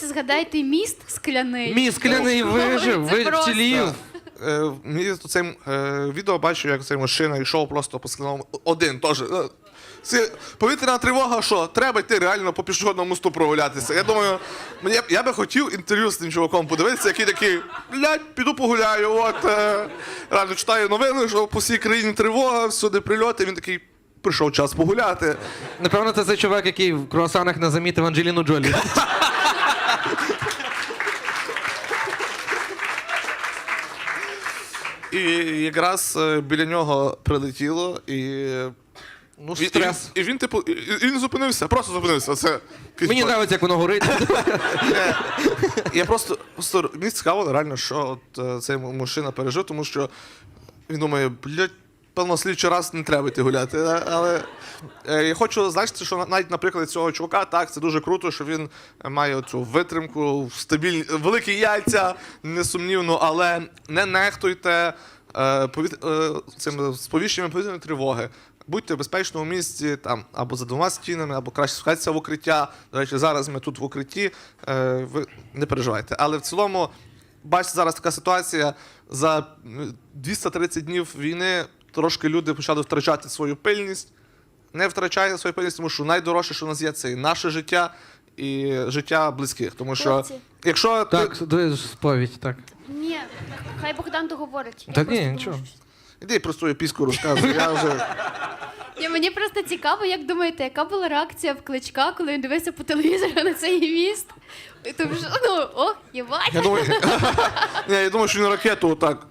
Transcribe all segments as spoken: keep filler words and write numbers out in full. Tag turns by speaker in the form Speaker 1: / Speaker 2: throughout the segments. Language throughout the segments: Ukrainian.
Speaker 1: Згадайте міст скляний.
Speaker 2: Мій скляний вижив,
Speaker 1: Це
Speaker 2: ви
Speaker 1: просто.
Speaker 2: вцілів.
Speaker 3: Е, Мені тут цей е, відео бачу, як цей мужчина йшов просто по скляному. Один теж. Е, Це повітряна тривога, що? Треба йти реально по пішохідному мосту прогулятися. Я думаю, мені, б- я би хотів інтерв'ю з тим чуваком подивитися, який такий, блядь, піду погуляю, от. Е, реально читаю новини, що по всій країні тривога, всюди прильоти, він такий, прийшов час погуляти.
Speaker 2: Напевно, це цей чувак, який в круасанах не замітив Анджеліну Джолі.
Speaker 3: І якраз е, біля нього прилетіло, і
Speaker 2: Ну,
Speaker 3: він,
Speaker 2: стрес.
Speaker 3: і, він, і він, типу, і, і він зупинився, просто зупинився. Це,
Speaker 2: Мені подобається, як воно горить.
Speaker 3: Я просто, просто мені цікаво, реально, що от, е, цей мужчина пережив, тому що він думає, блядь, певно, слідчий раз не треба йти гуляти. е, Але е, я хочу зазначити, що навіть, наприклад, цього чувака, так, це дуже круто, що він має цю витримку, стабільні, великі яйця, несумнівно, але не нехтуйте е, повіт... е, цим сповіщенням повітряної тривоги. Будьте в безпечному місці там, або за двома стінами, або краще спускайтеся в укриття. До речі, зараз ми тут в укритті, е, ви не переживайте. Але в цілому, бачите, зараз така ситуація, за двісті тридцять днів війни трошки люди почали втрачати свою пильність. Не втрачайте свою пильність, тому що найдорожче, що у нас є, це і наше життя, і життя близьких. Тому що,
Speaker 1: Хлопці.
Speaker 3: якщо ти...
Speaker 2: Так, ви ж сповідь, так.
Speaker 1: Ні, хай Богдан договорить. Я
Speaker 2: Та
Speaker 1: просто
Speaker 2: ні,
Speaker 1: думаю,
Speaker 2: нічого.
Speaker 1: що-
Speaker 3: Іди про свою піську розказуй, я вже...
Speaker 1: Ні, мені просто цікаво, як думаєте, яка була реакція в Кличка, коли він дивився по телевізору на цей міст? І Тому що, ну, о, єбать.
Speaker 3: Я думаю, Ні, я думаю, що він ракету отак.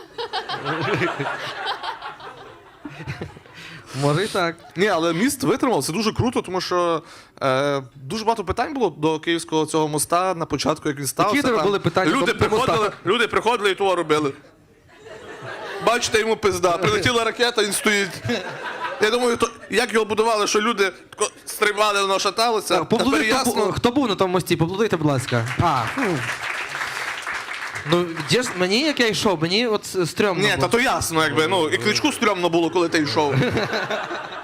Speaker 2: Може і так.
Speaker 3: Ні, але міст витримав, це дуже круто, тому що е, дуже багато питань було до київського цього моста на початку, як він стався.
Speaker 2: Які
Speaker 3: там.
Speaker 2: були питання
Speaker 3: люди
Speaker 2: до- до моста?
Speaker 3: приходили, люди приходили і того робили. Бачите, йому пизда. Прилетіла ракета, він стоїть. Я думаю, то, як його будували, що люди тако стрибали, воно шаталося.
Speaker 2: Так,
Speaker 3: Тепер
Speaker 2: поплодуйте,
Speaker 3: ясно.
Speaker 2: хто, хто був на тому мості, поплодуйте, будь ласка. А, ну. Ну, де ж, мені, як я йшов, мені от стрьомно
Speaker 3: Ні,
Speaker 2: було.
Speaker 3: та то ясно, якби. Ну, і Кличку стрьомно було, коли ти йшов.